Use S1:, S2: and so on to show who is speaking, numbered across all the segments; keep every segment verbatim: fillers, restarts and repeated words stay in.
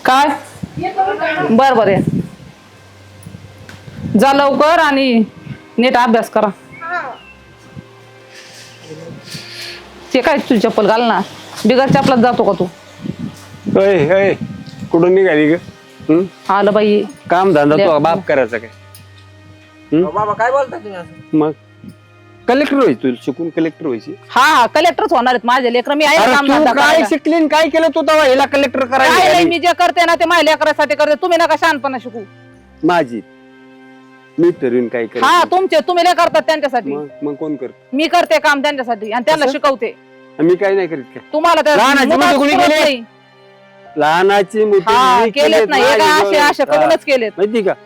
S1: काय बर बर आहे. जा लवकर आणि नीट अभ्यास करा. ते काय तुझी चप्पल घाल ना, बिगर चपलात जातो का तू?
S2: अय अय कुठून निघाली ग? हं?
S1: आलं बाई
S2: काम धंदा तो बाप करायचा काय?
S3: बाबा काय बोलता तुम्ही असं?
S2: मग कलेक्टर व्हायची तुला शिकून कलेक्टर व्हायची.
S1: हा कलेक्टरच होणार आहेत माझे लेकर. मी आहे
S2: अरे
S1: काम
S2: तू
S1: धंदा
S2: काय
S1: करायला.
S2: शिकली न काय केलं तू तेव्हा हिला कलेक्टर
S1: काय नाही,
S2: करायला?
S1: मी जे करते ना ते माझ्या लेकरासाठी करते. तुम्ही नका शहाणपणा शिकू.
S2: माझी मी ठरवून काय कर.
S1: हा तुमचे तुम्ही नाही करतात त्यांच्यासाठी.
S2: मग मग कोण करत?
S1: मी करते काम त्यांच्यासाठी आणि त्यांना
S2: असं?
S1: शिकवते.
S2: मी काय नाही करीत काय?
S1: तुम्हाला त्या
S2: लहानाची
S1: मुलाचं
S2: मोठी कोणी
S1: पुरत
S2: केली?
S1: नाही.
S2: लहानाची मोठी
S1: हा
S2: मी
S1: केलेत
S2: केलेत,
S1: नाही हे
S2: माझी
S1: काय असे
S2: डोळे.
S1: असे
S2: हा.
S1: करूनच केलेत.
S2: माहिती का?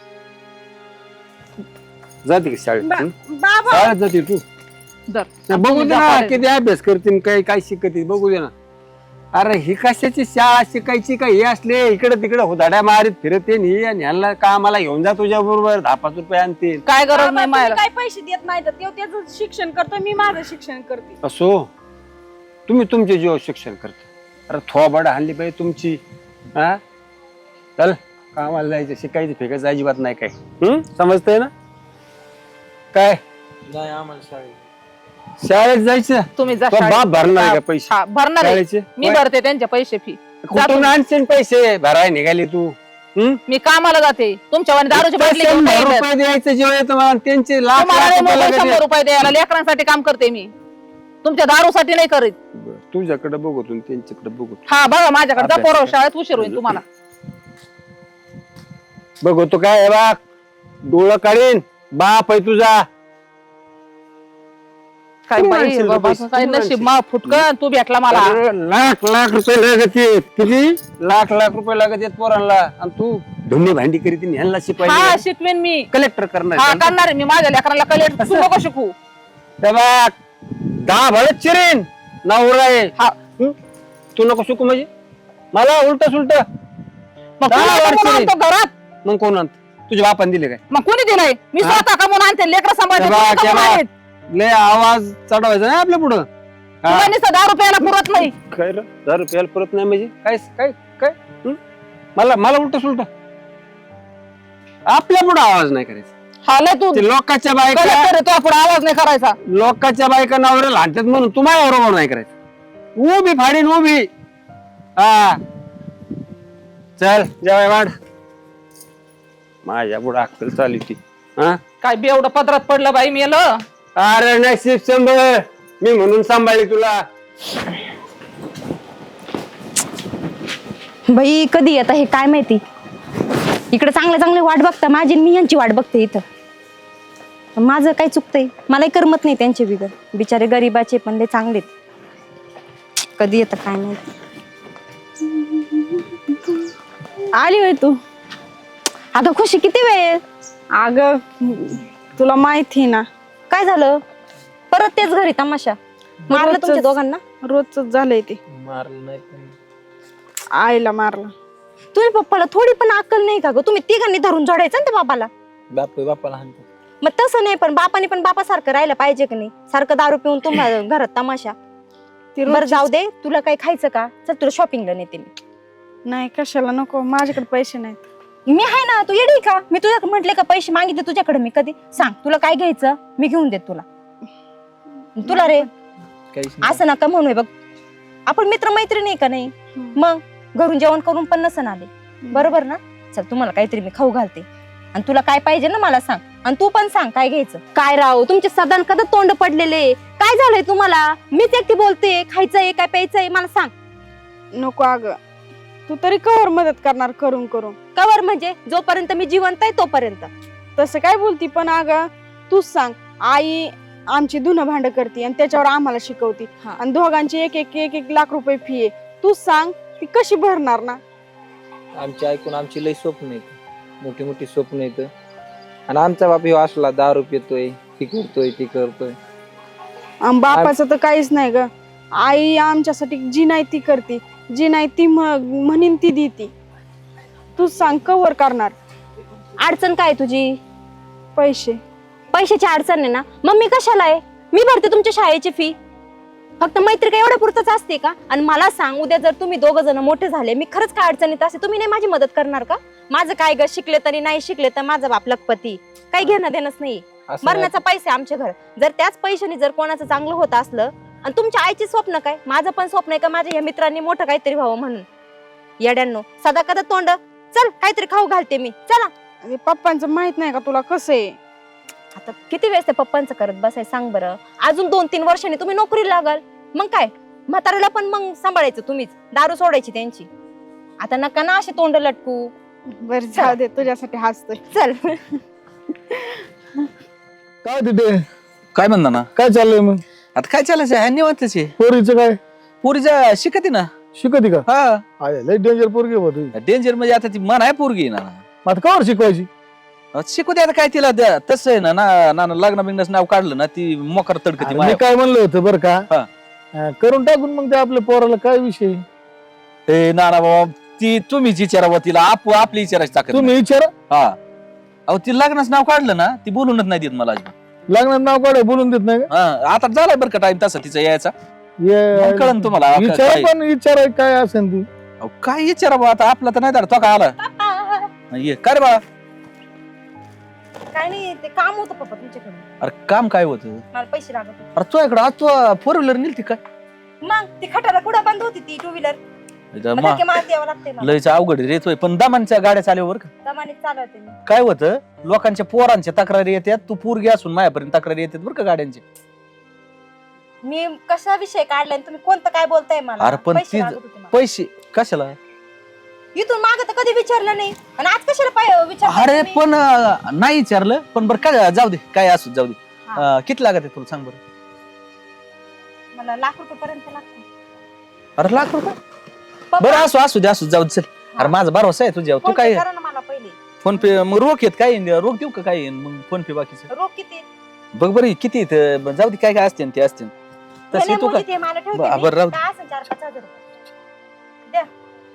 S2: जाते का शाळेत? हं?
S4: बाबा
S2: शाळेत जाते तू?
S1: जर
S2: नाही, बघू दे ना किती अभ्यास करते न काय काय शिकते बघू दे ना. अरे ही कशाची शाळा शिकायची काय? हे असले इकडे तिकडे होदाड्या मारीत फिरते न ही आणि ह्यांना कामाला घेऊन जा तुझ्या बरोबर दहा पाच रुपये आणते.
S1: काय गरज
S4: बाबा,
S1: नाही
S4: तुम्ही
S1: मायला.
S4: काय पैसे देत नाही तर ते त्याचं शिक्षण करतो, मी माझं शिक्षण करते.
S2: असो तुम्ही तुमचे जीव शिक्षण करता. अरे थोबाड हल्ली पाहिजे तुमची. हा चल कामाला जायचं शिकायचं फेकायचं अजिबात नाही काय. हम्म समजतंय ना? काय
S3: नाही आम्हाला शाळेत.
S2: शाळेत जायचं?
S1: तुम्ही जा
S2: तो
S1: शाळेत.
S2: बाप भरणार आहे का
S1: हा,
S2: पैसे
S1: हा, भरणार आहे.
S2: शाळेचे?
S1: मी भरते त्यांचे पैसे फी.
S2: कुठून आणशील पैसे भराय निघाले तू? हम्म?
S1: मी कामाला जाते. तुमच्या वाणी दारूची बाटली घेऊन
S2: शंभर
S1: नाही येत.
S2: रुपये द्यायचं जेव्हा येतं मला त्यांचे लाख
S1: तुम्हाला
S2: लाख
S1: नाही
S2: रुपये
S1: मोबाईल
S2: लागत
S1: शंभर
S2: आहेत.
S1: रुपये द्यायला लेकरांसाठी काम करते मी. तुमच्या दारूसाठी नाही करीत.
S2: बरं, तुझ्याकडे बघू तू त्यांच्याकडे बघू.
S1: हा बघा माझ्याकडे जा
S2: अभ्यास
S1: पोरं
S2: कर.
S1: शाळेत उशीर होईल तुम्हाला.
S2: बघू तो काय आहे बा डोळं काढीन बाप आहे तुझा.
S1: काय
S2: कुठून
S1: बाई
S2: आणशील रे
S1: बाबा
S2: पैसे?
S1: काय
S2: कुठून
S1: नशीब
S2: आणशील?
S1: मा फुटकन तू भेटला मला.
S2: अरे, लाख लाख रुपये लागत आहेत. किती लाख लाख रुपये लागत आहेत पोरांना आणि तू धुणी भांडी करीत ह्यांना
S1: हा
S2: शिपाई
S1: शिकवेन मी.
S2: कलेक्टर
S1: हा
S2: करणार.
S1: करणार आहे मी माझ्या लेकरांना कलेक्ट. तू नको शिकू.
S2: त्या बघ, दहा भरत चिरेन नवरा आहे.
S1: हा
S2: हं? तू नको शिकू म्हणजे मला उलट सुलट.
S1: मग
S2: दहा
S1: कोणी
S2: वर्ष
S1: कमवून
S2: नाही.
S1: आणतो घरात?
S2: मग कोण आणत? तुझ्या बापाने दिले काय?
S1: मग कोणी दिलंय? मी
S2: हा?
S1: स्वतः कमवून आणते. लेकर सांभाळते.
S2: त्या बघ,
S1: कोणी
S2: त्या
S1: कमवून
S2: बघ.
S1: आणेत?
S2: लय आवाज चढवायचा नाही आपल्या पुढं. हा.
S1: तुम्हाला नुसतं दहा रुपयाला पुरत नाही.
S2: काय रे? दहा रुपयाला परत नाही म्हणजे काय काय काय हं? मला मला उलट सुलट आपल्या पुढे आवाज नाही करायचा.
S1: हा लय तू
S2: ते लोकांच्या बायका
S1: कलेक्टर आहे, तुझ्या पुढे आवाज नाही करायचा.
S2: लोकांच्या बायका नवऱ्याला लाटतात म्हणून तुम्हाला बरोबर नाही करायचं. उभी फाडीन उभी. हा चल जेवाय वाढ. माझ्या पुढे अक्कल चालू ती. हा
S1: काय बेवढं पदरात पडलं बाई मेल.
S2: अरे नशीब सांभाळ मी म्हणून सांभाळली तुला.
S5: बाई कधी येतं हे काय माहिती. इकडे चांगले चांगले वाट बघता माझी आणि मी यांची वाट बघते इथं. माझं काय चुकतंय? मलाही करमत नाही त्यांचे बिगर. बिचारे गरीबाचे पण लय चांगलेत. कधी येतं काय माहिती. आली होय तू? अगं खुशी किती वेळ?
S4: अगं तुला माहिती ना
S5: काय झालं? परत तेच घरी तमाशा मारलं
S4: रोजचंच.
S5: तुमच्या दोघांना?
S4: रोजच झालंय ते.
S3: मारलं नाही पण
S4: आईला मारलं.
S5: तुम्ही पप्पाला थोडी पण अक्कल नाही का ग? तुम्ही तिघांनी धरून जोडायचं ना त्या बापाला.
S3: बाप बापाला हाणतो.
S5: मग तसं नाही पण बापाने पण बापासारखं राहिलं पाहिजे की नाही? सारखं दारू पिऊन तुम्हाला घरात तमाशा.
S4: ती
S5: बरं
S4: रोजचीच-
S5: जाऊ दे. तुला काही खायचं का? चल तुला शॉपिंगला नेते मी.
S4: नाही कशाला नको, माझ्याकडे पैसे नाहीत.
S5: मी आहे ना. तू येडी का? मी तुझ्या म्हटले का पैसे मागितले तुझ्याकडे मी कधी? सांग तुला काय घ्यायचं मी घेऊन देत तुला. तुला रे
S3: काहीच नाही.
S5: असं नका म्हणूय बघ. आपण मित्र मैत्रिणी का नाही? मग घरून जेवण करून पण नसन आले बरोबर ना? चल तुम्हाला काहीतरी मी खाऊ घालते आणि तुला काय पाहिजे ना मला सांग. आणि तू पण सांग काय घ्यायचं. काय राव तुमचे सदान कदा तोंड पडलेले. काय झालंय तुम्हाला? मीच एकटी बोलते. खायचंय काय प्यायचंय मला सांग.
S4: नको अगं, तू तरी कवर मदत करणार करून करून.
S5: कवर म्हणजे जोपर्यंत मी जिवंत आहे तोपर्यंत.
S4: तसं काय बोलती पण अगं तूच सांग. आई आमची धुणं भांड करते आणि त्याच्यावर आम्हाला शिकवती
S5: हा.
S4: आणि दोघांची एक एक एक एक लाख रुपये फी आहे. तूच सांग ती कशी भरणार ना?
S3: आमची ऐकून आमची लई स्वप्न आहेत, मोठी मोठी स्वप्न आहेत. आणि आमचा बाप ह्यो असला दारू पितोय, ती करतोय ती करतोय.
S4: आम बापाचं तर काहीच नाही ग. आई आमच्यासाठी जी नाही ती करते, जी नाही ती म- म्हणीन ती देती. तूच सांग कवर करणार.
S5: अडचण काय तुझी?
S4: पैसे.
S5: पैशाची अडचण आहे ना? मग मी कशाला आहे? मी भरते तुमच्या शाळेची फी. फक्त मैत्री काय एवढ्या पुरतच असते का? आणि मला सांग, उद्या जर तुम्ही दोघ जण मोठे झाले, मी खरंच काय अडचणीत असते, तुम्ही नाही माझी मदत करणार का? माझं काय ग, शिकले तरी नाही शिकले तर माझा बाप लखपती, काही घेणं देणंच नाही.
S3: असं
S5: मरणाचा पैसे आमच्या घर, जर त्याच पैशाने जर कोणाचं चांगलं होत असलं, आणि तुमच्या आईचे स्वप्न काय, माझं पण स्वप्न आहे का माझ्या या मित्रांनी मोठं काहीतरी व्हावं म्हणून. येड्यांनो, सदा कदा तोंड, चल काहीतरी खाऊ घालते मी, चला.
S4: अरे पप्पांचं माहित नाही का तुला कसं आहे?
S5: आता किती वेळेस ते पप्पांचं करत बसाय सांग बरं. अजून दोन तीन वर्षांनी तुम्ही नोकरीला लागाल, मग काय म्हाताऱ्याला पण मग सांभाळायचं तुम्हीच, दारू सोडायची त्यांची. आता नका ना असे तोंड लटकू.
S4: बर जाऊ दे, तुझ्यासाठी हसतोय.
S5: चल.
S6: काय तिथे
S7: काय म्हणता ना?
S6: काय चाललंय मग?
S7: आता काय चालायचं आहे निवांतच आहे.
S6: पोरीचं काय
S7: पोरीच्या शिकती ना.
S6: शिकती का?
S7: हा
S6: आहे लय डेंजर पोरगी बा तुझी.
S7: डेंजर म्हणजे आता ती मन आहे पोरगी आहे ना.
S6: मग आता कवर शिकवायची?
S7: आता शिकू दे, आता काय तिला द्या. तसं आहे ना ना ना- लग्न बिग्नच नाव काढलं ना ती मोकर तडकती
S6: अरे मी
S7: माया.
S6: काय म्हणलं होतं बरं का,
S7: हा.
S6: हा, करून टाकून मग ते आपल्या पोराला काय विषय.
S7: ए ना ना बाबा, ती तुम्हीच विचारावं तिला, आप आपली विचारायची ताकद
S6: तुम्ही विचारा.
S7: नाही. हा अहो ती लग्नाचं नाव काढलं ना ती बोलूनच नाही देत मला अजिबात.
S6: लग्नात नाव काढ बोलून देत नाही का?
S7: हा आता झालाय बरं का टाइम तसा तिचा यायचा.
S6: ये-
S7: मग कळन तुम्हाला.
S6: विचारा,
S7: काय-
S6: पण विचारा काय असेल ती.
S7: अहो, काय विचारावं आता, आपला तर नाही धाड तो का आला ये काय रे बाळा.
S5: काय नाही, ते काम होतं पप्पा तुमच्याकडे,
S7: अरे काम काय होतं?
S5: मला पैसे लागत होते.
S7: अरे तो इकडं आज तू फोर व्हीलर नेलती काय?
S5: मग ती खटाला कुठं बंद होती ती टू व्हीलर,
S7: मा-
S5: मारती यावं लागते मला.
S7: लयच अवघड रेतोय, पण दमांच्या गाड्या चालल्यावर का
S5: दमाने चालवते मी.
S7: काय होतं, लोकांच्या पोरांच्या तक्रारी येतात, तू पोरगी असून माझ्यापर्यंत तक्रारी येतात बरं का गाड्यांची.
S5: मी कशा विषय काढलाय आणि तुम्ही कोणतं काय बोलताय मला?
S7: अरे पण
S5: पैसे
S7: ती-
S5: लागत होते मला.
S7: पैसे कशाला?
S5: इथून माग तर कधी विचारलं नाही, आणि आज कशाला पाय विचार?
S7: अरे पण अं, नाही विचारलं, पण बरं काय जाऊ दे, काय असू जाऊ दे.
S5: हा.
S7: अं, किती लागत आहे तुला सांग बरं.
S5: मला लाख रुपये पर्यंत लागते.
S7: अरे लाख रुपये?
S5: पप्पा,
S7: बरं असू असू दे असू दे, जाऊ दे चल. अरे माझा भरोसा आहे तुझ्यावर. तू
S5: फोन पे
S7: काय
S5: करा ना मला पहिले.
S7: फोन पे मग रोख येत काय येईन? रोख देऊ का काय येईन? मग फोन पे बाकीचं
S5: रोख किती?
S7: बघ बरं किती येतं. बरं, जाऊ दे काय काय असते न ते असते न.
S5: हे
S7: तशी
S5: नाही
S7: तू
S5: मुली
S7: काय
S5: ते मला ठेवते
S7: बरं,
S5: मी.
S7: बरं, राहू दे.
S5: काय असेल चार पाच हजार रुपये द्या.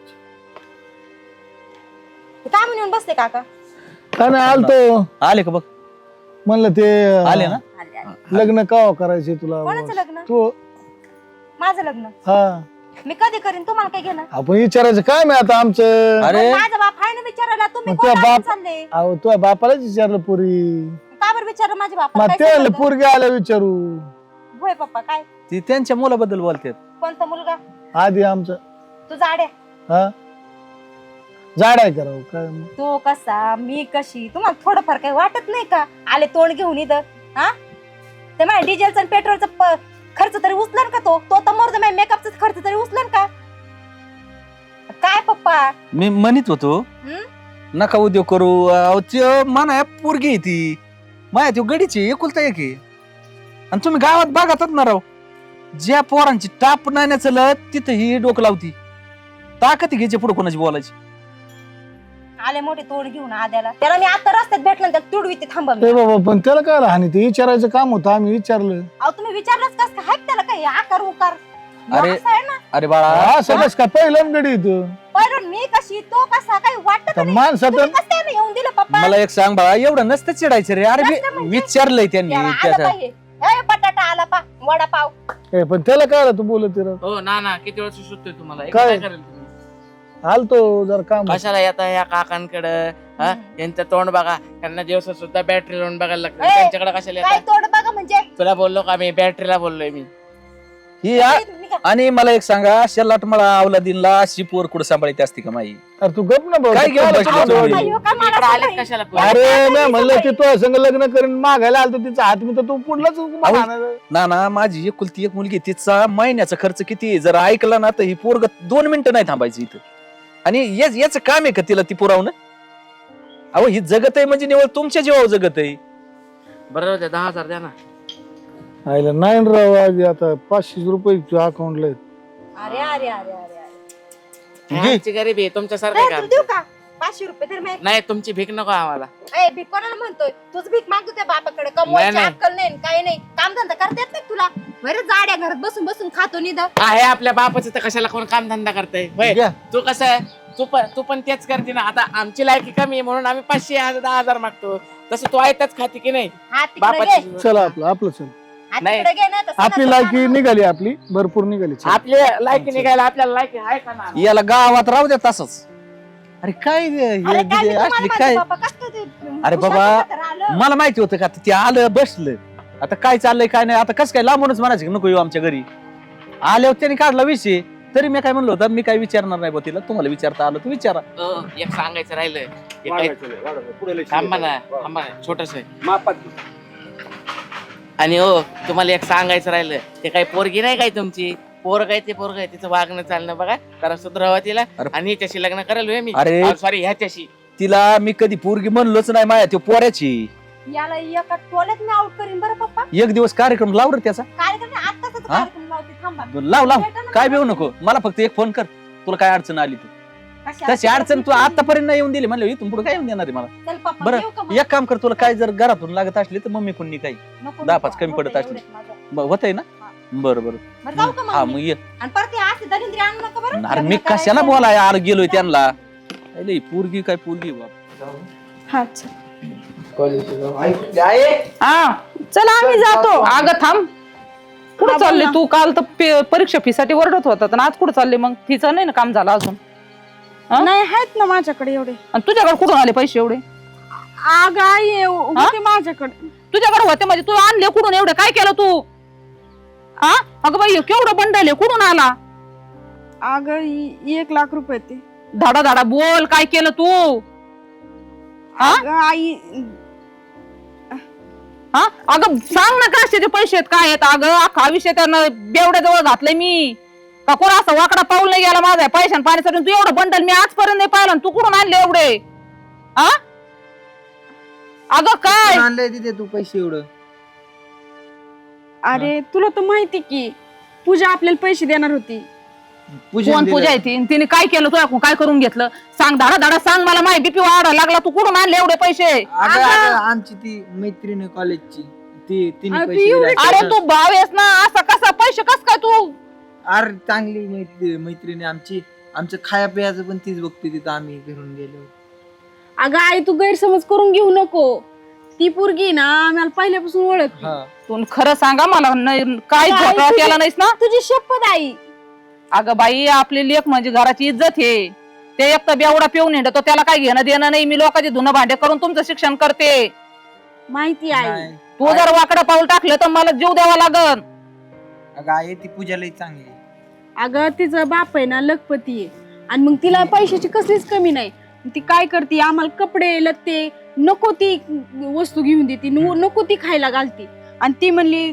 S5: हे काय म्हणून बसते काका?
S6: काय नाही आलतो,
S7: आले का बघ.
S6: म्हणलं ते
S7: आले ना.
S5: आले, आले.
S6: लग्न का करायचे तुला?
S5: कोणाचं लग्न?
S6: तू
S5: माझं लग्न
S6: हा
S5: मी कधी करीन, तुम्हाला काय घेणं?
S6: आपण विचारायचं काय मी आता आमचं.
S7: अरे
S5: मग माझा बाप आहे ना विचारायला, तुम्ही
S6: मग
S5: कोण
S6: तुझा
S5: असून
S6: बाप-
S5: चालले?
S6: अहो तुझ्या बापालाच विचारलं पोरी.
S5: का बरं विचारलं माझ्या
S6: मग
S5: बापाला?
S6: ते
S5: काय
S6: म्हणलं
S5: संबंध?
S6: पोरगी आल्या विचारू.
S5: होय पप्पा, काय
S7: ती त्यांच्या मुलाबद्दल बोलतात.
S5: कोणता मुलगा?
S6: आधी आमचं
S5: तुझा आड्या,
S6: हा जाड आहे करावं काय मग.
S5: तो कसा मी कशी, तुम्हाला थोडंफार काही वाटत नाही का? आले तोंड घेऊन इथं, हा ते माझ्या डिझेलचा आणि पेट्रोलचा प- खर्च तरी उचलन का? तो तो तर मरतो, माझ्या मेकअपचा खर्च तरी उचलन का? काय पप्पा?
S7: मी म्हणत होतो
S5: हं?
S7: नका उद्योग करू. अहो, त्यो माना पोरगी आहे ती माया, त्यो गडीची एकुलता एक आहे. आणि तुम्ही गावात बघातात ना राव, ज्या पोरांची टाप नाही चलत तिथं ही डोकं लावती. ताकद घ्यायची पुढे कोणाची बोलायची.
S5: आले मोठे तोंड घेऊन आद्याला, त्याला मी आता रस्त्यात भेटलं त्याला तुडवी थांबा मी.
S6: ए बाबा पण त्याला काय हानी, ते विचारायचं काम होतं, आम्ही विचारलं.
S5: अहो तुम्ही विचारलंच कस काय? हाक त्याला काय आकार उकार?
S7: अरे,
S5: असं आहे ना,
S7: अरे बाळा,
S6: हा सगळंच काय पहिलं गडी इथं.
S5: पहिलं मी कशी, तो कसा, काही वाटत
S6: तर
S5: नाही.
S6: माणसात
S5: तुम्ही कसं काय नाही येऊन दिलं पप्पा?
S7: मला एक सांग बाळा, एवढं नसतं चिडायचं रे. अरे
S5: नसतं
S7: वि-
S5: म्हणजे?
S7: विचारलंय त्यांनी
S5: त्याला आलं
S7: त्याचं.
S5: पाहिजे. ए, बटाटा आला पा, वडापाव.
S6: ए पण त्याला काय आलं तू बोलत रे.
S8: हो ना ना किती वेळ सुचतोय तुम्हाला? हे
S6: काय?
S8: काय करेल तुम्ही?
S6: आलतो जर काम होतं.
S8: कशाला येता ह्या काकांकडे? हा
S5: हम्म.
S8: यांचं तोंड बघा, त्यांना दिवस सुद्धा बॅटरी लावून बघायला लागतं.
S5: ए,
S8: त्यांच्याकडे कशाला
S5: काय
S8: येता?
S5: तोड बघा म्हणजे?
S8: तुला बोललो का मी? बॅटरीला बोललोय मी.
S7: ही आ-
S5: तुम्ही का-
S7: आणि मला एक सांगा, शेलाट मला अवलादीनला अशी पोर कुठं सांभाळते असते का माई?
S6: अरे तू गप ना भाऊ.
S7: काय घेऊन
S6: काय
S7: बसली
S6: बसली
S7: तुम्ही?
S6: तू?
S5: अय्यो, काय मला
S8: इकडे आले
S5: सांगाय?
S8: कशाला?
S6: अरे मी म्हणलं की तुझ्या संग लग्न करून मागायला आलतो तिचा हात मी तर तू पुढलाच
S7: अहो, ना ना माझी एकुलती एक मुलगी, तिचा महिन्याचा खर्च किती आहे? जर ऐकला ना तर ही पोरग दोन मिनिटं नाही थांबायची इथं. आणि याच याच काम आहे का तिला ती पुरावणं? अहो ही जगत आहे म्हणजे निवड तुमच्या जीवावर जगत आहे.
S8: बरं जाऊ द्या, दहा हजार द्या ना.
S6: आयला नाही राव आज आता पाचशे रुपये तुझ्या अकाउंटला आहेत.
S5: अरे अरे अरे अरे अरे
S8: हे आमची गरिबी आहे, तुमच्यासारखं
S5: ए,
S8: का?
S5: तुला देऊ का पाचशे रुपये? तर मी
S8: नाही, तुमची भीक नको आम्हाला.
S5: ए, भीक कोणाला म्हणतोय? तुझ भीक मागतो त्या बापाकडे, कमवायची
S8: नाही.
S5: अक्कल नाही, काही नाही, काम धंदा करता येत नाही तुला? बरं जाड्या घरात बसून बसून खातो निद.
S8: आहे आपल्या बापाचं, तर कशाला कोण काम धंदा करताय? होय,
S6: घ्या.
S8: तू कसं आहे, तू पण तू पण तेच करते ना. आता आमची लायकी कमी आहे म्हणून आम्ही पाचशे हजार दहा हजार मागतो. तसं तू ऐकताच खाते की नाही?
S5: हा तिकडे
S8: बापाची
S5: घे.
S6: चला आपलं आपलं चल.
S5: आणि
S8: नाही.
S5: तिकडे घे ना, तर
S6: आपली
S5: सणाचं
S6: लायकी
S5: पान-
S6: निघाली आपली भरपूर निघाली
S8: आपले लायकी निघायला आपल्याला लायकी आहे का ना
S7: याला गावात राहू द्या तसंच. अरे काय हे
S5: अरे काय
S7: दिदी
S5: मी तुम्हाला
S7: असली
S5: माझं
S7: काय
S5: बाबा कसं ते
S7: अरे
S5: उशाचं
S7: बाबा,
S5: पत्र आलं.
S7: मला माहिती होतं का ते आलं बसलं. आता काय चाललंय काय नाही, आता कसं काय लांबूनच म्हणायचं की नको येऊ आमच्या घरी. आल्यावर त्यांनी काढला विषय, तरी मी काय म्हणलो होतं मी काय विचारणार नाही बा तिला, तुम्हाला विचारता आलं तर विचारा.
S8: अ, एक सांगायचं राहिलं हे काय-
S2: वाढवायचं नाही, वाढवायचं. पुढे लक्ष
S8: थांबा ना
S2: द्यायचं.
S8: थांबा छोटस
S2: मापात
S8: आणि हो तुम्हाला एक सांगायचं राहिलं ते काही पोरगी नाही काय तुमची पोरग आहे ते पोरग आहे तिचं वागणं चालणं बघा जरा सुधरावा तिला
S7: अरे.
S8: आणि हिच्याशी लग्न करायला मी
S7: अरे.
S8: सॉरी ह्याच्याशी
S7: तिला मी कधी पोरगी म्हणलोच नाही माया त्यो पोऱ्याची.
S5: याला एका टोल्यात मी आउट करीन बरं पप्पा.
S7: एक दिवस कार्यक्रम लाव रे त्याचा.
S5: कार्यक्रम नाही, आत्ताच आता
S7: हा?
S5: कार्यक्रम लावते, थांबा.
S7: लाव लाव
S5: भेटा ना
S7: काय
S5: मला.
S7: बेऊ नको, मला फक्त एक फोन कर तुला काय अडचण आली तू.
S5: कशी
S7: तशी अडचण तू आतापर्यंत नाही येऊन दिली म्हणलं इथून पुढे काय येऊन देणार आहे मला.
S5: चल पप्पा,
S7: बरं,
S5: येऊ का मग?
S7: एक काम कर, तुला काय जर घरातून लागत असली तर मम्मी कोणी काही
S5: नको,
S7: दहा
S5: नको,
S7: पाच कमी
S5: होतंय
S7: पडत असली.
S5: एवढ्यात माझं.
S7: होत आहे ना. बरं बरं
S5: बरं जाऊ का
S7: हा
S5: मग
S7: मग
S5: मी?
S7: ये.
S5: आणि परत हे असे दलिंद्री आणू नका बरं.
S7: अरे मी
S5: लग्न करायचं.
S7: कशाला बोलाय आर गेलोय त्यांना. अरे पोरगी काय पोरगी बाप.
S4: हा चल.
S1: हा
S4: चला आम्ही जातो.
S1: अगं थांब कुठं
S4: हा,
S1: चालली
S4: बोल ना.
S1: तू? काल तर पे- परीक्षा फी साठी ओरडत होता तर आज कुठं चालली मग? फीचं नाही ना काम झालं अजून. हा?
S4: नाही आहेत ना माझ्याकडे एवढे.
S1: आणि तुझ्याकडे कुठून आले पैसे एवढे?
S4: आग आई होते माझ्याकडे.
S1: तुझ्याकडे होते म्हणजे तू आणले कुठून एवढे? काय केलं तू? हा अगं बाई केवढं बंडल आहे, कुठून आला?
S4: अग एक लाख रुपये ते.
S1: धाडा धाडा बोल, काय केलं तू? हा?
S4: अगं आई
S1: हा अगं सांग ना कशाचे पैसे आहेत काय आहेत? अगं अख्खा विषय त्यानं बेवड्याजवळ घातलंय मी. का कोण असा वाकडा पाऊल नाही गेला माझा पैशान पाण्यासाठी? तू एवढं बंडल मी आजपर्यंत नाही पाहिलं. तू कुठून आणले एवढे? हा अगं काय
S3: आणलंय तिथे तू पैसे एवढं?
S4: अरे तुला तर माहिती की पूजा आपल्याला पैसे देणार होती.
S1: कोण पूजा आहे ती? तिने काय केलं तुला? काय करून घेतलं? सांग, धाडा धाडा सांग मला. माहिती बीपी वाढायला लागला. तू कुठून आणले एवढे पैसे?
S3: अगं, अगं, आमची ती मैत्रीण आहे कॉलेजची, ती तिने
S4: अरे,
S3: पैसे
S4: एवढे
S3: दिले.
S1: अरे तू भाव आहेस ना, असा कसा पैसे कस काय तू?
S3: अरे चांगली मैत्री मैत्रीण आहे आमची. आमचं खाया पियाचं पण तीच बघते तिथं आम्ही घरून गेलो.
S4: अगं आई तू गैरसमज करून घेऊ नको. ती पोरगी ना आम्हाला पहिल्यापासून ओळख.
S3: हा
S1: तू खरं सांगा मला, नाही काय
S4: अगं, आई,
S1: घोटाळा
S4: तुझी-
S1: केला नाहीस ना?
S4: तुझी शपथ आई.
S1: अगं बाई आपली लेख म्हणजे घराची इज्जत आहे. ते एक तर बेवडा पिऊन हिंडतो, त्याला काय घेणं देणं नाही. मी लोकांचे धुणं भांडे करून तुमचं शिक्षण करते.
S4: माहिती आई.
S3: नाही.
S1: तू जर वाकडं पाऊल टाकलं तर मला जीव द्यावा लागल.
S3: अगं आई ती पूजा लई चांगली आहे.
S4: अगं तिचा बाप आहे ना लखपती आहे आणि मग तिला पैशाची कसलीच कमी नाही. ती काय करते आम्हाला कपडे लत्ते नको ती वस्तू घेऊन देते, नो- नको ती खायला घालती. आणि ती म्हणली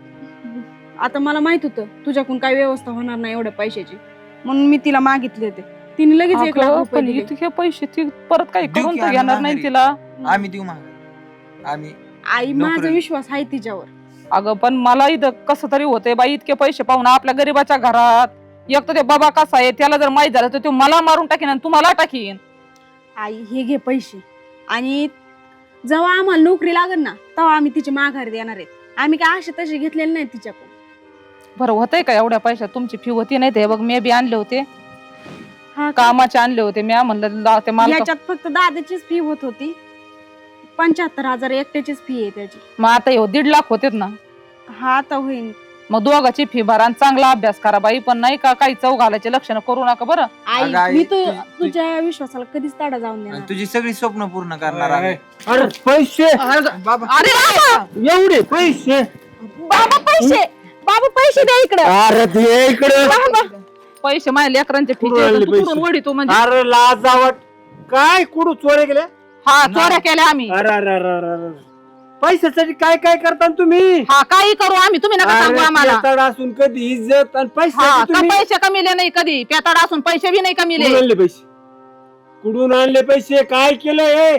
S4: आता मला माहित होतं तुझ्याकडून काय व्यवस्था होणार नाही एवढ्या पैशाची, म्हणून मी तिला मागितले होते. तिने लगेच एक लाख
S1: अगं,
S4: रुपये
S1: पण
S4: दिले.
S1: इतके पैसे ती परत काही
S3: देऊ
S1: करून
S3: की
S1: तर
S3: आम्ही
S1: घेणार नाही
S3: माघारी?
S1: तिला.
S3: आम्ही देऊ माग आम्ही
S4: आई
S3: नोकरी-
S4: माझा विश्वास आहे तिच्यावर.
S1: अगं पण मला इथं कसं तरी होतंय बाई, इतके पैसे पाहून आपल्या गरीबाच्या घरात. एक तर ते बाबा कसा आहे त्याला जर माहित झालं तर तो मला मारून टाकीन आणि तुम्हाला टाकीन.
S4: आई हे घे पैसे आणि जेव्हा आम्हाला नोकरी लागेल ना तेव्हा आम्ही तिची माघार देणार आहेत. आम्ही काय असे तसे घेतलेले नाही तिच्याकडून.
S1: बरं होतंय का एवढ्या पैशात? तुमची फी होती नाही ते बघ, मी बी आणले होते
S4: हा का?
S1: कामाचे आणले होते मी. म्हणलं ला- ते मला
S4: याच्यात फक्त दादाचीच फी होत होती. पंच्याहत्तर हजार एकट्याचीच फी आहे त्याची.
S1: मग आता हे दीड लाख होतेत ना.
S4: हा आता होईल.
S1: मग दोघाची फी भरा आणि चांगला अभ्यास करा बाई. पण नाही का काही चव घालायचे लक्षण करू नका बरं.
S4: आई
S3: अगं आई,
S4: मी तु-
S3: तु- तु-
S4: तुझ्या विश्वासाला कधीच ताडा जाऊन
S3: आणि
S4: देणार.
S3: तुझी सगळी स्वप्न पूर्ण करणार आम्ही.
S2: अरे पैसे
S3: बाबा
S1: अरे बाबा!
S2: एवढे पैसे.
S4: बाबा पैसे बाबा पैसे द्या इकडे.
S2: अरे ते इकडे
S1: पैसे माझ्या लेकरांचे फी
S2: कुठून आणले पैसे?
S1: वडी तू म्हणजे.
S2: अरे लाजावट काय कुठं चोरे गेले?
S1: हा चोऱ्या केल्या आम्ही.
S2: अरे अरे अरे अरे अरे. पैशासाठी काय काय करता तुम्ही?
S1: हा काही करू आम्ही, तुम्ही नका सांगू
S2: अरे
S1: आम्हाला.
S2: पेताड असून कधी इज्जत आणि
S1: हा
S2: पैसे
S1: का
S2: तुम्ही
S1: पैसे कमीले नाही कधी. पेताड असून पैसे बी नाही कमीले.
S2: कुठून आणले पैसे? कुठून आणले पैसे? काय केलं हे?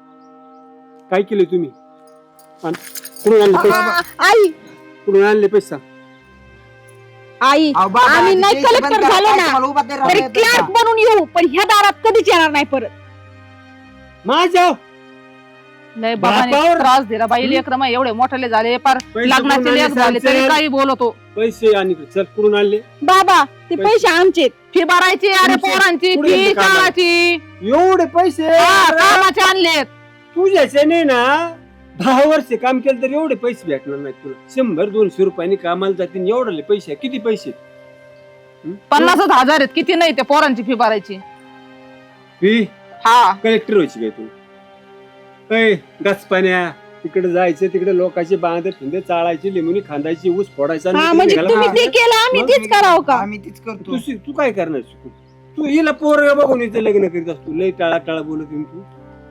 S2: काय केले तुम्ही? आणि कुठून आणले पैसे?
S4: आई
S2: कुठून आणले पैसा?
S4: आई
S3: अहो, बाबा,
S4: आम्ही
S3: आधी
S4: नाही
S3: पैसे
S4: कलेक्टर
S3: बंद करा,
S4: झालो
S3: काय
S4: ना
S3: तुम्हाला उभा नाही
S4: तरी
S3: राहता येत
S4: क्लार्क
S3: का?
S4: बनून येऊ पण ह्या दारात कधीच येणार नाही परत.
S2: माझ्या
S1: लय बाबाने
S2: बापावर-
S1: त्रास दिला बाई. लेकर मग एवढे मोठे झाले पार
S2: पैसे
S1: लग्नाचे
S2: कुठून
S1: लेख
S2: आणले?
S1: झाले तरी
S2: सांगशील?
S1: काही बोलतो.
S2: पैसे आणि चल कुठून आणले?
S4: बाबा ते
S2: पैसे.
S4: पैसे आमचे.
S1: फी भरायची अरे
S2: तुमचे-
S1: पोरांची
S2: पुढे
S1: फी
S2: येते कामाला.
S1: शाळाची.
S2: एवढे पैसे
S1: हा, कामाचे आणलेत.
S2: तुझ्याचे नाही ना दहा वर्ष काम केलं तर एवढे पैसे भेटणार नाहीत तुला. शंभर दोनशे रुपयांनी कामाला जातील एवढे पैसे किती पैसे
S1: पन्नासच हजार आहेत, किती नाही त्या पोरांची फी भरायची.
S2: फी
S1: हा
S2: कलेक्टर व्हायची काय तू? ऐ गच पाण्या तिकडे जायचं, तिकडे लोकांचे बांधे फिंदे चाळायची, लिंबुनी खांदायची, ऊस फोडायचा
S4: हा
S2: आणि
S4: म्हणजे
S2: तिकडे
S4: तुम्ही
S2: घाला.
S4: ते केलं आम्ही
S2: मग
S4: तेच करावं का?
S3: आम्ही तीच करतो.
S2: तू शि- तू काय करणार शिकून? तू हिला पोर बघून इथे लग्न करीत असतो. लय टाळा टाळा बोलत येईन तू.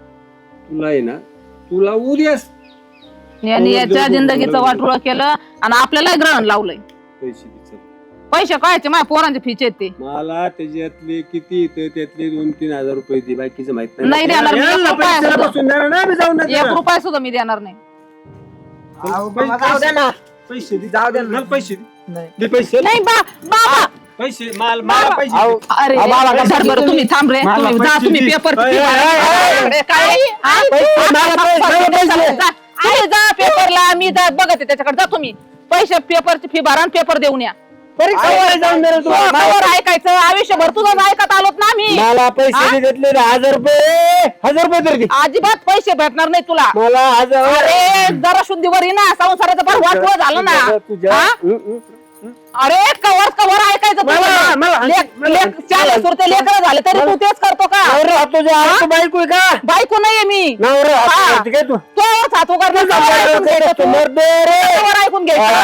S2: तुला आहे ना, तुला उद्यास
S1: यांनी याच्या जिंदगीचं वाटोळं केलं आणि आपल्याला ग्रहण लावलंय.
S2: पैसे दे चल.
S1: पैसे कायचे माझ्या पोरांचे फीचे आहेत ते.
S2: मला त्याच्यातले किती येतं त्यातले दोन तीन हजार रुपये दे, बाकीचं माहित
S1: नाही देणार मी.
S2: याला
S1: एक रुपया
S2: पैशाला
S1: सुद्धा.
S2: बसून देणार नाही, आम्ही जाऊन नाही
S1: एक
S2: देणार.
S1: रुपया सुद्धा मी देणार नाही.
S3: अहो,
S2: पैसे-
S3: बाबा, जाऊ द्या ना.
S2: पैसे दे,
S3: जाऊ द्या ना.
S2: मला पैसे दे.
S3: नाही.
S2: दे पैसे.
S4: नाही बा बाबा
S2: पैसे माल मला पैसे
S3: अहो,
S2: दे.
S1: अरे
S3: अहो, बाबा,
S1: बरं,
S3: कशाला
S1: बरं, तुम्ही थांब रे.
S2: मला
S1: तुम्ही जा,
S2: पैसे
S1: तुम्ही
S2: दे.
S1: पेपर
S2: अय, अय, अय,
S1: काय हा?
S2: पैसे, मला पैसे, मला पैसे.
S1: जा, तुम्ही जा पेपरला, मी जा बघते त्याच्याकडे. जा तुम्ही पैसे पेपरची फी भरा आणि पेपर देऊन या.
S2: परीक्षा वगैरे जाऊन दे रे तू.
S1: कवर ऐकायचं आयुष्यभर तुझं ऐकत आलोत ना मी.
S2: मला पैसे
S1: हा?
S2: दे, घेतले ना हजार रुपये हजार रुपये तरी दे.
S1: अजिबात पैसे भेटणार नाही तुला.
S2: मला हजार
S1: अरे जरा शुद्धीवर ये ना, संसाराचं फार वाटवं झालं ना.
S2: तुझ्या
S1: हा?
S2: हं, हं.
S1: अरे कवर कवर ऐकायचं
S2: मला-
S1: तुझं.
S2: मला-
S1: लेक- लेक- चार सुरते लेकरं झाले तरी तू तेच करतो का?
S2: नवरा तुझ्या हात बायको आहे का?
S1: बायको नाहीये मी.
S2: नवरा हात
S1: हा.
S2: करते काय तू?
S1: तो सातू करणार
S2: तुझा
S1: कवर ऐकून
S2: बायको
S1: घ्यायचं
S2: तू
S1: तू.
S2: मरदे रे.
S1: कवर ऐकून घ्यायचं.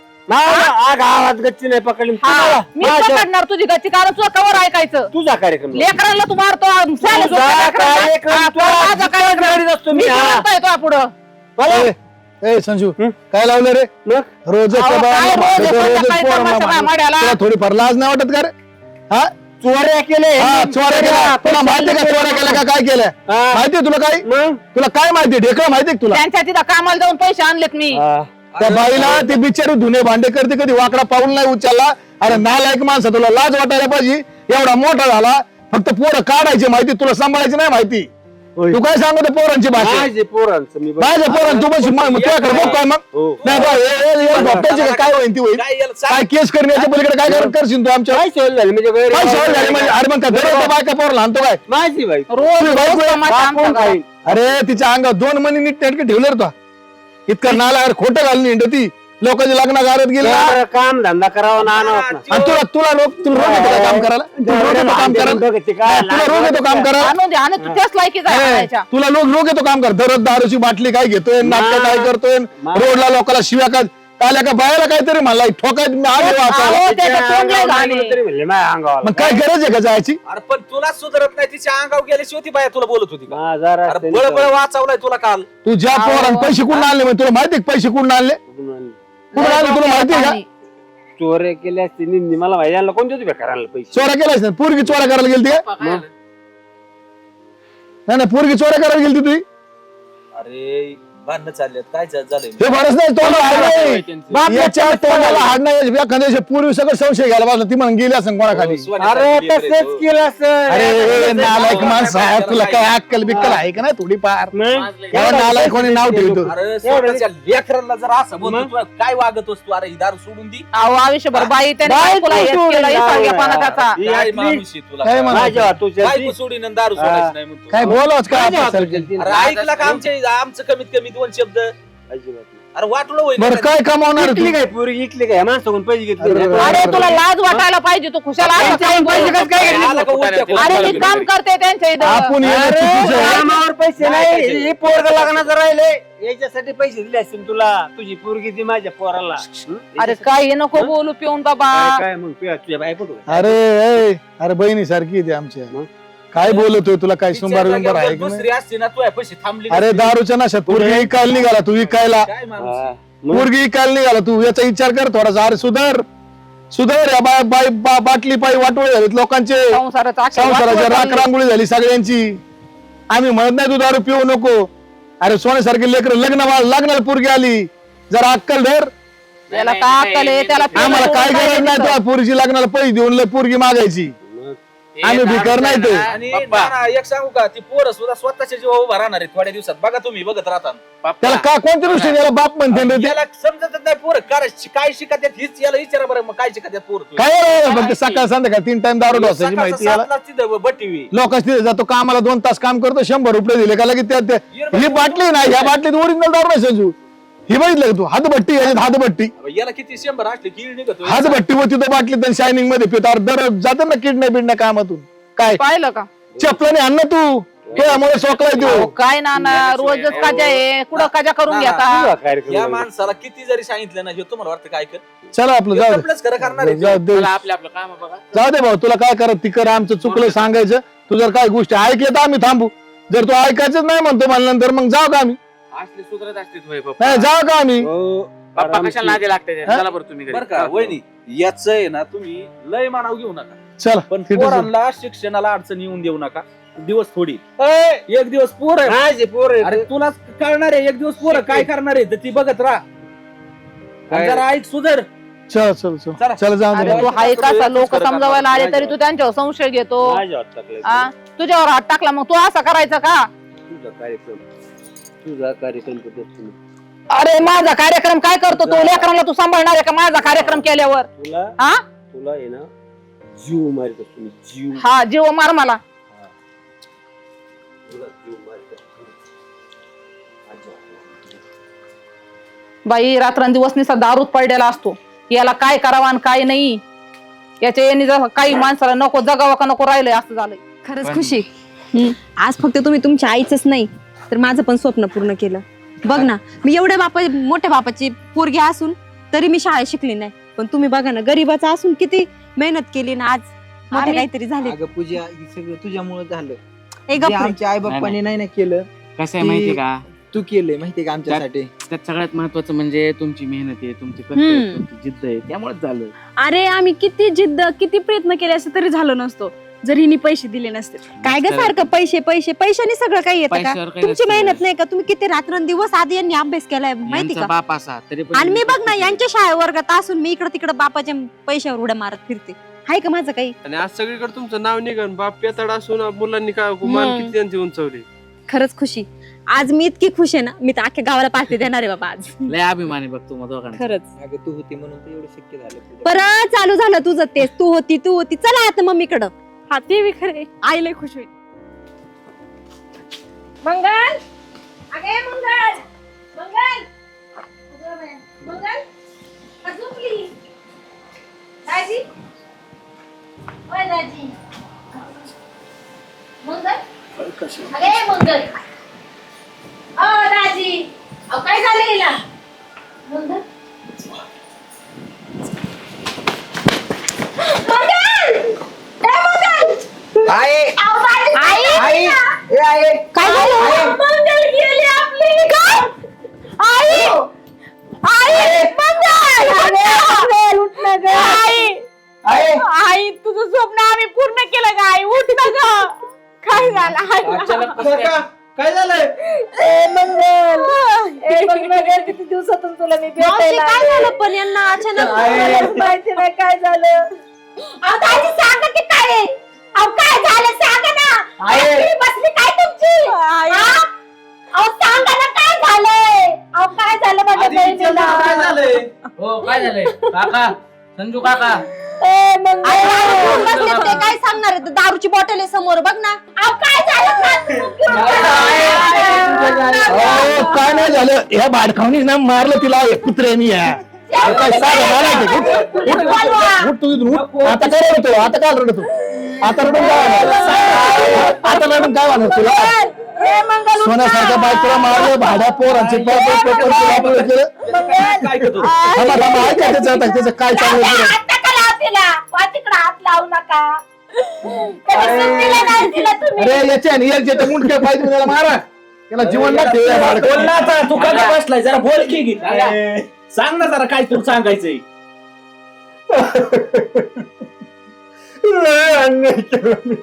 S2: मला आ गावात गच्ची नाही पकडली.
S1: हा,
S2: तू
S1: मी
S2: माझ्या-
S1: पकडणार तुझी गच्ची, कारण तुझं कवर ऐकायचं.
S2: तुझा कार्यक्रम
S1: लेकरांना तू मारतो चालेल,
S2: तुझा
S1: झोपल्या लेकरांना.
S2: कार्यक्रम
S1: हा,
S2: तुला
S1: माझा कार्यक्रम.
S2: करीत असतो
S1: मी
S2: मी. हा.
S1: म्हणतोय तुझ्या पुढं.
S2: मला
S6: ए, ए संजू
S2: हं?
S6: काय लावलं रे
S2: मग
S6: रोज
S1: अहो, काय रोज आहे, संध्याकाळी तमाशा काय माड्याला?
S6: तुला थोडीफार लाज नाही वाटत का रे? हा
S2: चोऱ्या केले
S6: हा, चोऱ्या केल्या तुला माहितीये का चोऱ्या केल्या का काय केल्या
S2: हा.
S6: माहितीये तुला काय
S2: मग
S6: तुला काय माहितीये ढेकळं माहितीये का तुला
S1: त्यांच्या तिथं कामाला जाऊन पैसे आणलेत मी.
S2: हा.
S6: त्या बाईला ती बिचारी धुणे भांडे करते कधी वाकडा पाऊल नाही उचलला. अरे नालायक माणसा तुला लाज वाटायला पाहिजे. एवढा मोठा झाला फक्त पोरं काढायची माहिती तुला सांभाळायची नाही माहिती.
S2: होय.
S6: तू काय सांगतो पोरांची भाषा
S2: माझे पोरांचं मी बघ-
S6: माझ्या पोरां तू पण मग तुझ्याकडे बघ काय मग
S2: हो.
S6: नाही बा, हे- हे- हे झोपटायची का काय होईल ती होईल
S7: काय याला सांग.
S6: काय केस करण्याच्या पलीकडे काय कर- करशील तू आमच्या
S2: काय सोय झाली म्हणजे गैर-
S6: काय सवय झाली म्हणजे अरे मग काय दररोज बायका पोर लहानतो काय
S2: माझी बाई
S1: रोज
S6: तुझी
S1: रोज
S6: बायको आहे,
S1: तमाशा
S2: हा,
S1: आमच्या
S2: कोण
S1: घरात.
S2: खाईल?
S6: अरे तिच्या अंगात दोन मनी नीट नेटके ठेवले रे तो इतकं नाला अरे खोटं घालून हिंड ती लोकांची लग्न गारत गेली
S2: जरा काम धंदा करावा ना आणावं ना.
S6: आणि तुला तुला रोग तुला रोग येतो का काम करायला तुला रोग येतो काम करायला
S2: बघते काय
S6: तुला रोग येतो काम करायला
S1: आणून दे आणि तू त्याच लायकीचा आहे
S6: ए,
S1: आणायच्या.
S6: तुला लोक रोग येतो काम कर दररोज दारूची बाटली काय घेतोय नाटक काय करतोय
S2: मा-
S6: रोडला लोकांना शिव्या काय काल्या का बायाला काहीतरी म्हणला ठोकाय मी आले वाचायला
S1: अहो, त्याचं तोंड लय घाण आहे.
S2: तरी म्हणले माझ्या अंगावर
S6: मग काय गरज आहे का जायची
S7: अरे पण तुला सुधारत नाही तिच्या अंगावर गेल्याशिवाय ती बाया तुला बोलत होती का?
S2: माझा
S7: अरे
S2: रस्त्याने
S7: बळ बळ वाचवलाय तुला काल.
S6: तू ज्या
S1: अहो.
S6: पोरांनी पैसे कुठून आणले मग तुला माहिती आहे का पैसे कुठून आणले कुठून आणले तुला माहिती आहे का
S2: चोऱ्या केल्या असते निंदी मला माहिती यांना कोणते होते करायला पैसे
S6: चोऱ्या केलास ना पोरगी चोऱ्या करायला गेली ती
S8: पप्पा काय झालं?
S6: नाही नाही पोरगी चोऱ्या करायला गेली तुझी
S7: अरे भांडणं चाललेत काय झा- झालंय
S6: हे फारच नाही तोंडाला हाड नाही याच्या तोंडाला हाड नाही एखाद्या पूर्वी सगळं संशय घ्यायला पाहिजे ती म्हणून गेली असं कोणाखाली
S2: अरे तसेच केलं असं
S6: अरे नालायक माणसं आहे तुला काय अक्कल बिक्कल आहे का नाही थोडीफार
S8: वाजलंय.
S6: एवढा नालायक कोणी नाव ठेवतो
S7: अरे स्वतःच्या लेकरांना जर असं बोलतो तू काय वागत असतो अरे ही दारू सोडून दी
S1: अहो आयुष्यभर बाई त्याने
S2: बाई
S1: बायकोला हेच
S2: सोडून
S1: केलं,
S2: द्या.
S1: इसाळगेपणा त्याचा.
S2: ही
S7: काय
S2: आपली-
S7: माणूस आहे तुला
S6: काय
S7: काय?
S6: म्हणा?
S2: माझ्या हातूच्या
S7: बायको सोडीन आणि दारू सोडायची नाही म्हणतो.
S6: काय बोलावच का
S2: माझ्या
S6: आपल्यासारखं?
S2: हातूच्या ती-
S7: अरे ऐकलं का आमच्या आमचं कमीत कमी दोन शब्द
S2: अजिबात नाही.
S7: अरे वाटलं होईल
S6: बरं काय कमावणार
S2: इकली
S6: तू
S2: काय पोरगी इकली काय माणसाकडून पैसे घेतले
S6: अरे,
S2: नाही.
S1: अरे तुला लाज वाटायला पाहिजे, तू खुशाल असं काय
S2: पैसे
S1: बोलतो?
S2: कसं काय घेतले?
S7: आला का उलट्या
S1: अरे मी
S7: करून?
S1: काम करते त्यांच्या इथं.
S6: आपण येणं
S2: अरे,
S6: चुकीचं आहे.
S2: कामावर पैसे
S7: नाही
S2: नाही
S7: पैसे.
S2: हे पोरग लग्नाचं राहिले याच्यासाठी पैसे दिले असतील तुला तुझी पोरगी ती माझ्या पोराला हं?
S1: अरे काय हे नको बोलू पिऊन बाबा.
S2: काय काय मग तुझ्या तुझ्या बायको कुठं?
S6: अरे ए, अरे बहिणी सारखी ती आमच्या
S2: मग?
S6: काय बोलतोय तुला काय
S7: तिच्या
S6: सुंबार बिंबार आहे
S7: जागेवर
S6: का
S7: दुसरी असती ना तू पैसे थांबली
S6: अरे
S7: नसती.
S6: दारूच्या नशात पोरगी विकायला निघाला तू विकायला
S7: काय माणूस
S2: हा. मग?
S6: पोरगी विकायला निघाला तू याचा विचार कर थोडासा अरे सुधार सुधार या बाय बाय बा- बाटली पायी वाटोळे झालीत लोकांचे
S1: संसाराचं अख्खं
S6: संसाराच्या
S1: वाटोळं
S6: राख
S1: चाललंय.
S6: रांगोळी झाली सगळ्यांची आम्ही म्हणत नाही तू दारू पिऊ नको अरे सोन्यासारखे लेकर लग्न लग्नाला पोरगी आली जरा अक्कल धर
S1: त्याला
S8: नाही,
S1: का
S8: नाही,
S1: अक्कल आहे,
S8: नाही,
S1: त्याला
S8: नाही,
S6: आम्हाला काय
S1: पिऊन
S6: गरज नाही
S1: काय
S6: तुला पोरीची लग्नाला पैसे देऊन लय पोरगी मागायची
S2: मग?
S6: आम्ही भिकार नाही ते.
S7: आणि
S8: पप्पा.
S7: नाना, एक सांगू का ती पोरं सुद्धा स्वतःच्या जीवा उभा राहणार आहे थोड्या दिवसात. बघा तुम्ही बघत राहता.
S6: त्याला का कोणत्या दृष्टीने याला बाप म्हणते रे ते?
S7: याला समजतच नाही पोरं काय काय शिकत आहेत हीच याला विचारा बरं. मग काय शिकत आहेत पोरं?
S6: काय रे, फक्त सकाळ संध्याकाळ तीन टाइम दारू ढोसायची माहिती याला.
S7: बटीवी
S6: लोक तिथे जातो कामाला दोन तास काम करतो शंभर रुपये दिले का लगेच त्या- त्या- ही बाटली ना ह्या बाटलीत ओरिजिनल दारू नाही संजू. ही बघितलं का तू हातभट्टी याच्यात हातभट्टी
S7: याला किती शंभर असले कीड निघतो.
S6: हातभट्टी होती तो बाटलीत शायनिंग मध्ये पितो दर जाते ना किडण्या बिडण्या कामातूून. काय
S1: पाहिलं का
S6: चपलाने आण ना तू त्यामुळे सोकलाय
S1: अहो,
S6: तू.
S1: काय ना ना रोजच काजा आहे कुठं काजा करून घेता.
S7: या माणसाला किती जरी सांगितलं ना हे तुम्हाला वाटतं काय कर
S6: चला आपलं जाऊ दे.
S7: आपलंच खरं करणार आहे.
S6: जाऊ दे
S8: चला आपलं आपलं काम बघा.
S6: जाऊ दे भाऊ तुला काय करत ती कर आमचं चुकलं सांगायचं. तू जर काय गोष्टी ऐकल्या तर आम्ही थांबू. जर तू ऐकायचंच नाही म्हणतो म्हणल्यानंतर मग जाऊ का आम्ही?
S8: असले सुधरत असते होय पप्पा.
S6: नाही जाऊ का आम्ही?
S8: पप्पा कशाला नादी लागते
S6: हा?
S8: चला बरं तुम्ही घरी.
S7: बरं का वहिनी याच आहे ना तुम्ही लय मानाव घेऊ नका.
S6: चला
S7: पण
S6: ठीक आहे.
S7: पोरांना शिक्षणाला अडचण येऊन देऊ नका. दिवस थोडी एक दिवस पोर आहे
S2: पोर
S7: अरे तुला कळणार आहे एक दिवस पोरं काय करणार आहे तर ती बघत राहा. आणि जरा ऐक सुधर.
S6: चल चल चल
S7: चला.
S6: चल जाऊ
S1: अरे
S6: दे.
S1: तू हाय कसा लोक समजावायला आले तरी तू त्यांच्यावर संशय घेतो. आ? तुझ्यावर हात टाकला मग तू असं करायचं का?
S2: तुझा कार्यक्रम तुझा कार्यक्रम करतो.
S1: अरे माझा कार्यक्रम काय करतो तू? लेकरांना तू सांभाळणार आहे का माझा कार्यक्रम केल्यावर?
S2: तुला
S1: हा
S2: तुला आहे ना जीव मारित असतो मी, जीव
S1: हा जीव मार मला.
S2: तुला जीव मारित असतो.
S1: बाई रात्रंदिवस निसा दारूत पडलेला असतो. याला काय करावं आणि काय नाही याच्या यांनी जर काही माणसाला नको जगावं का नको राहिलंय असं झालंय.
S5: खरंच खुशी. हम्म. आज फक्त तुम्ही तुमच्या आईचंच नाही तर माझं पण स्वप्न पूर्ण केलं. बघ ना मी एवढ्या बापा मोठ्या बापाची पोरगी असून तरी मी शाळेत शिकली नाही. पण तुम्ही बघा ना गरीबाचा असून किती मेहनत केली ना आज मोठे
S1: आम्ही-
S5: काहीतरी झाले.
S3: अगं पूजा हे सगळं तुझ्यामुळे झालं.
S5: ए
S3: जे
S5: गप्प रे.
S3: आमच्या आई बाप्पाने नाही ना केलं
S8: कसं आहे माहितीये का
S3: तू केलंय माहितीये का आमच्यासाठी.
S8: त्यात सगळ्यात महत्वाचं म्हणजे तुमची मेहनत आहे तुमची कष्ट
S5: हम्म.
S8: आहे तुमची जिद्द आहे त्यामुळेच झालं.
S4: अरे आम्ही किती जिद्द किती प्रयत्न केले असते तरी झालं नसतो जर हिने पैसे दिले नसते.
S5: काय ग सारखं पैसे पैसे पैशाने सगळं काही येतं का?
S8: पैशावर काही
S5: तुमची
S8: नसतं.
S5: मेहनत नाही का? तुम्ही किती रात्रंदिवस आधी यांनी अभ्यास केलाय माहिती
S8: यांचा
S5: का?
S8: बाप असा तरी पण
S5: आणि मी बघ ना यांच्या शाळे वर्गात असून मी इकडे तिकडे बापाच्या पैशावर उड्या मारत फिरते. हाय का माझं काही?
S9: आणि आज सगळीकडे तुमचं नाव निघन बाप पेताड असून मुलांनी काय मान
S5: हम्म.
S9: किती त्यांची उंचवली.
S5: खरंच खुशी. आज मी इतकी खुश आहे ना मी तर अख्ख्या गावाला पार्टी देणार आहे बाबा आज.
S8: लय अभिमानी बघ तू दोघांना.
S5: खरंच.
S3: अगं तू होती म्हणून तर एवढं शक्य झालं पूजा.
S5: परत चालू झालं तुझं तेच तू होती तू होती. चला आता मम्मीकडं.
S4: हा ते बी खरे आई लय खुश होईल.
S5: मंगल अगे मंगल मंगल मंगल झोपली दाजी ओय दाजी मंगल अगे मंगल ओ दाजी अहो काय झालं हिला मंगल मंगल ए मंगल
S3: आई
S5: अहो दाजी
S3: आई
S5: आई
S3: ए आई
S5: काय झालं मंगल गेली आपली काय आई आई मंगल मंगल उठ ना ग आई
S3: आई
S4: आई तुझं स्वप्न आम्ही पूर्ण केलं का आई उठ ना ग. काय झालं
S7: अचानक कसं काय? काय झालंय?
S5: ए मंगल ए मंगल किती दिवसातून तुला मी भेटायला काय झालं पण यांना अचानक माहिती नाही काय झालं. अहो दादी सांगा की काय आहे? अहो काय झालं सांगा ना. आई बसली काय तुमची हा? अहो सांगा ना काय झालंय. अहो काय झालं माझ्या
S7: आधी विचार
S5: बहिणीला
S7: ना, काय झालंय?
S8: हो काय झालंय काका संजू काका
S5: ए मंगल बसले ते काय सांगणार आहे? दारूची बॉटल आहे समोर बघ ना. अहो काय झालं
S6: अहो, काय नाही झालं ह्या भाडखावणी ना मारलं तिला कुत्र्यानी या काय साधं मारायचं. उठ, उठ, उठ, उठ तू इथून उठ. आता काय रडतो आता काय रडतो आता रडून काय होणार? आता रडून काय होणार तुला? सोन्यासारख्या बायकोला मारलं भाड्या पोरांचे पेपर पेपर केलं.
S7: काय करतो?
S6: थांबा थांबा ऐका त्याचं आता त्याचं काय चाललं पुढं.
S5: हात लावू नका.
S6: अरे याच्या याच्या मुंडक्या पाहिजे त्याला मारा त्याला जीवन लागते या
S7: बोल
S6: भाडकावणी.
S7: ना आता तू का गं बसलाय जरा बोल की गी. सांग ना जरा काय तुला सांगायचंय.
S2: लय अन्याय केला मी.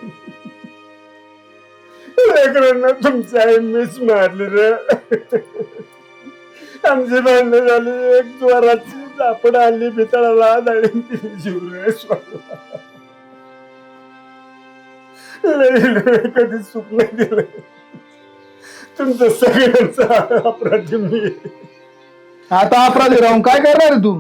S2: लेकरांना तुमची आई मीच मारली रे. आमची भांडणं झाली एक जोराची आपण आली पितळाला आणि तिने जीव रे सोडला. कधी सुख नाही दिलं. तुमचं सगळ्यांचा अपराधी मी.
S6: आता अपराधी राहून काय करणार आहे तू?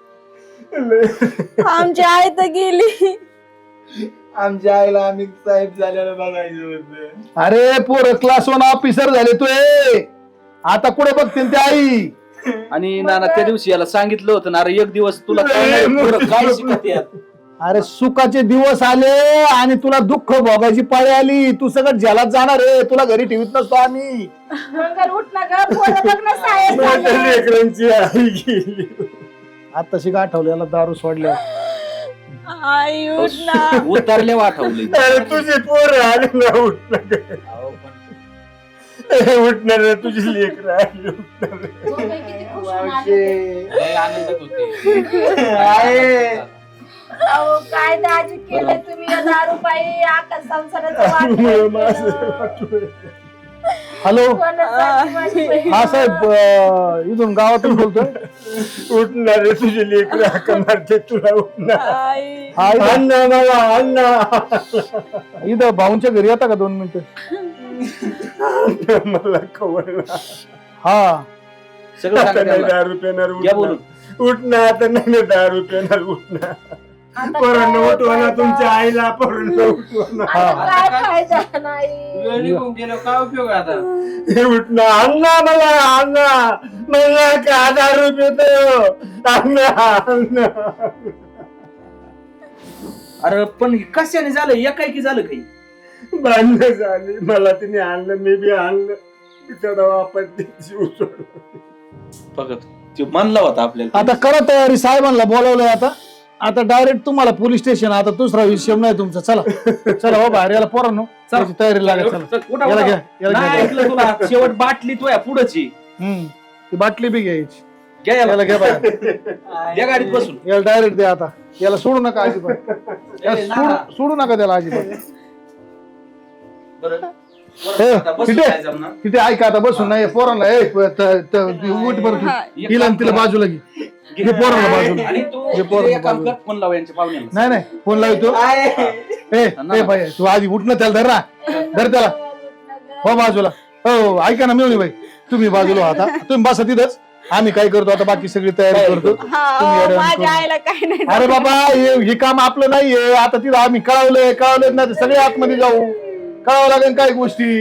S5: आमची आई तर गेली.
S3: आमच्या आईला आम्ही साहेब झालेलं बघायचं होतं.
S6: अरे पोर क्लास वन ऑफिसर झाले तू. आता कुठे बघतील ते आई?
S7: आणि नाना त्या दिवशी याला सांगितलं होतं ना, अरे एक दिवस तुला कळणार आहे पोरं काय शिकत आहेत.
S6: अरे सुखाचे दिवस आले आणि तुला दुःख भोगायची पाळी आली. तू सगळं जलात जाणार रे. तुला घरी ठेवत नसतो आम्ही.
S5: मंगल उठ ना ग, पोरं बघ ना साहेब
S2: माझ्या
S5: झाले.
S2: लेकरांची आई गेली.
S6: आता शिका आठवलं याला दारू सोडल्या.
S5: आई उठ ना.
S7: उतरले आठवले.
S2: अरे तुझी पोर आली ना, उठणार उठणार रे, तुझी लेकर आली उठणार.
S8: आनंदात होते.
S5: अहो काय दाजी केलं तुम्ही या दारू पायी आकाश संसाराचं वाटलं.
S6: हॅलो
S5: कोणासाठी माझी बहीण?
S6: हा साहेब, अं, इथून गावातून बोलतोय.
S2: उठणार रे, तुझी लेकर हाका मारते तुला. उठणार.
S5: आई.
S6: हा इथं-
S2: अण्णा बाबा अण्णा.
S6: इथं भाऊंच्या घरी येता का दोन मिनिटं?
S2: मला खवळला.
S6: हा
S7: सगळं
S2: आता
S7: सांगा
S2: नाही
S7: त्याला.
S2: दारू पेणार.
S7: घ्या बोलून.
S2: उठणार आता नाही ना दारू पेणार. उठणार.
S5: आता
S2: पोरांना
S5: काय
S2: उठवा ना,
S5: फायदा?
S2: तुमच्या आईला पोरांना उठवा ना.
S5: आता काय फायदा नाही.
S3: वेळ निघून गेलो, काय उपयोग आता?
S2: हे उठणार. अण्णा मला अण्णा मला का दारू पेतो. अण्णा अण्णा.
S7: अरे पण हे कशाने झालं, एकाएकी झालं काही?
S2: भांडणं झाली. मला तिने आणलं, मी बी आणलं. बिचारा वापरते जीव सोडला.
S7: बघत ते म्हणला होता आपल्याला.
S6: आता करा तयारी. साहेबांना बोलावलंय आता. आता डायरेक्ट तुम्हाला पोलीस स्टेशन. आता दुसरा विषय नाही तुमचा. चला चला हो बाहेर. याला पोरांनो त्याची तयारी लागेल. चला
S7: चल, उठा,
S6: याला
S7: उठा.
S6: घ्या याला
S7: नाही
S6: घ्या.
S7: ऐकलं तुला. शेवट बाटली तो या पुढची.
S6: हम्म ती बाटली बी घ्यायची.
S7: घ्या याला.
S6: याला घ्या बाहेर.
S7: त्या गाडीत बसून.
S6: याला डायरेक्ट द्या आता. याला सोडू नका अजिबात. याला
S7: ए,
S6: सोडू
S7: नाना.
S6: सोडू नका त्याला अजिबात.
S7: बरं.
S6: हे,
S7: आता बसून
S6: तिथे
S7: काय जमणार?
S6: तिथे ऐका आता बसून नाही पोरांना. ए, त- त- उठ बरं तू. हिला आणि तिला बाजूला घे. घे पोरांना बाजूला.
S7: आणि तू
S6: हे पोरं
S7: तिथे एक काम
S6: बाजूला.
S7: कर, फोन लाव यांच्या पाहुण्याला.
S6: नाही नाही फोन लावतो. ए ए बाई तू आधी उठ ना. त्याला धर ना. धर त्याला. हो बाजूला. हो ऐका ना मिळून बाई, तुम्ही बाजूला आता. तुम्ही बसा तिथंच. आम्ही काय करतो आता, बाकी सगळी तयारी करतो.
S5: हा,
S6: तुम्ही येड्या
S5: माझ्या
S6: करू.
S5: आईला काय नाही.
S6: अरे बाबा हे हे काम आपलं नाहीये. आता तिथं आम्ही कळवलंय कळवलंय ना, सगळे आतमध्ये जाऊ. कळावं लागेल काही गोष्टी.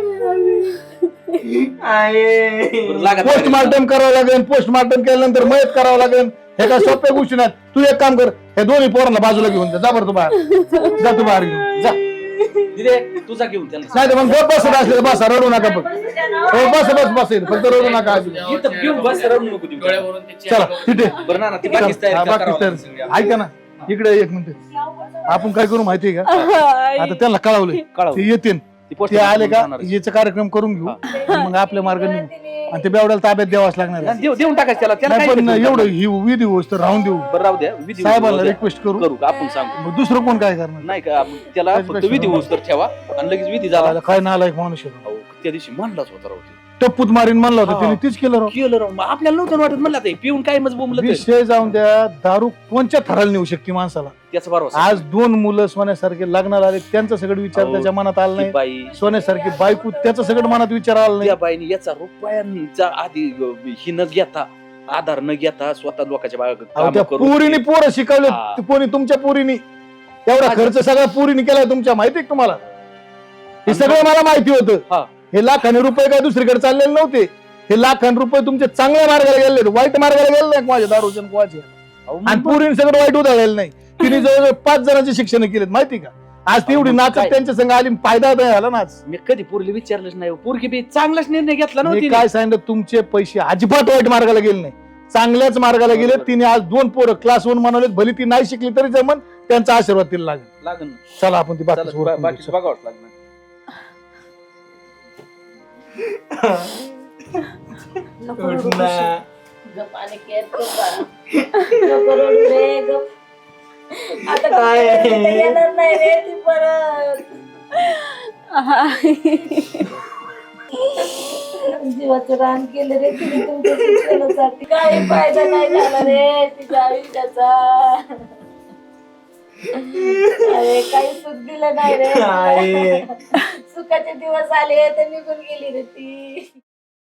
S7: बरं, लागा तयारी.
S6: पोस्टमार्टम करावं लागेल. पोस्टमार्टम केल्यानंतर मयत करावं लागेल. हे काय सोप्या गोष्टी नाहीत. तू एक काम कर, हे दोन्ही पोरांना बाजूला घेऊन जा. जा बरं तू बाहेर. जा तू बाहेर घेऊन जा.
S7: तिथे तुझा घेऊन त्याला.
S6: नाही तर मग गप बसत असले बसा. रडू नका बघ. हो बस बस बस येईल. फक्त रडू नका अजिबात.
S7: इथं घेऊन बस, रडू नको देऊ.
S8: डोळ्यावरून त्याची
S6: चला तिथे
S7: बरं ना, ती
S6: चला,
S7: बाकीच तयारी
S6: हा,
S7: करावं
S6: बाकीच
S7: लागेल
S6: तयारी.
S7: सगळी.
S6: ऐका ना इकडे एक मिनिट. आपण काय करू माहितीये का, आता त्यांना कळवलंय.
S7: कळव.
S6: ते येतील.
S7: ती पोस्ट
S6: ते आले का
S7: जाणार आहे.
S6: याचा कार्यक्रम करून घेऊ. मग आपल्या मार्गाने निघू. आणि ते बेवड्याला ताब्यात द्यावाच लागणार आहे.
S7: देऊ- देऊन टाकायचं त्याला. त्याला
S6: नाही
S7: काय
S6: पण
S7: भेटलं?
S6: एवढं ही विधी होस तर राहून देऊ.
S7: बरं राहू द्या. विधी
S6: साहेबांना
S7: होऊ द्या.
S6: रिक्वेस्ट करू.
S7: करू का आपण सांगू.
S6: मग दुसरं कोण काय करणार?
S7: नाही का आपण त्याला
S6: त्याच
S7: फक्त
S6: पेक्षा
S7: विधी होऊस तर ठेवा आणि लगेच विधी झाला.
S6: त्याला काय नालायक माणूस आहे.
S7: अहो, त्या दिवशी म्हणलाच होता राहू ते.
S6: टप्पूत मारीन म्हणलं होतं
S7: हा.
S6: त्याने तीच केलं राव.
S7: केलं राव. मग आपल्याला नव्हतं वाटत म्हणलं ते पिऊन काय मज बोंबलं ते.
S6: विषय जाऊन द्या. दारू कोणच्या थराला नेऊ शकते माणसाला.
S7: त्याचा बरोबर.
S6: आज दोन मुलं सोन्यासारखे लग्नाला आले. त्यांचा सगळं विचार
S7: अहो,
S6: त्याच्या मनात आला नाही.
S7: बाई
S6: सोन्यासारखी बायको त्याचं सगळं मनात विचार आला नाही.
S7: त्या बाईने याचा रुपयांचा आधी ही न घेता आधार न घेता स्वतः लोकांच्या
S6: अहो,
S7: बागा
S6: त्या पोरीने पोरं शिकवले.
S7: हा.
S6: कोणी तुमच्या पोरीने एवढा खर्च सगळा पोरीने केलाय तुमच्या. माहितीये का तुम्हाला? हे सगळं मला माहिती
S7: हा.
S6: होतं. हे लाखाने रुपये काय दुसरीकडे चाललेले नव्हते. हे लाखाने रुपये तुमचे चांगल्या मार्गाला गेले, वाईट मार्गाला गेले नाही माझ्या दारूच्या कुवाचे. आणि पोरीने सगळं वाईट उधळलेलं नाही. तिने जवळजवळ पाच जणांचे शिक्षण केलेत. माहिती का? आज ती एवढी
S7: मग
S6: नाचत
S7: काय?
S6: त्यांच्या संग आली. फायदा नाही झाला ना आज.
S7: मी कधी पोरीला विचारलंच नाही. पोरगी बी चांगलाच निर्णय घेतला
S6: मी
S7: नव्हती.
S6: काय सांगितलं, तुमचे पैसे अजिबात वाईट मार्गाला गेले नाही. चांगल्याच मार्गाला गेले.
S7: बरोबर.
S6: तिने आज दोन पोरं क्लास वन बनवलेत. भली ती नाही शिकली तरी जमन. त्यांचा आशीर्वाद तिला लागेल.
S7: लागन.
S6: चला आपण ती बाकी
S7: चला, बा- बाकीचं बघावंच लागणार.
S5: आता काय येणार नाही रे ती परत. जीवाचं रान केलं रे तिने तुमच्या शिक्षणासाठी. काही फायदा नाही झाला रे तिच्या आयुष्याचा.
S10: अरे काही सुख दिलं नाही रे सुखाचे दिवस आले तर निघून गेली रे ती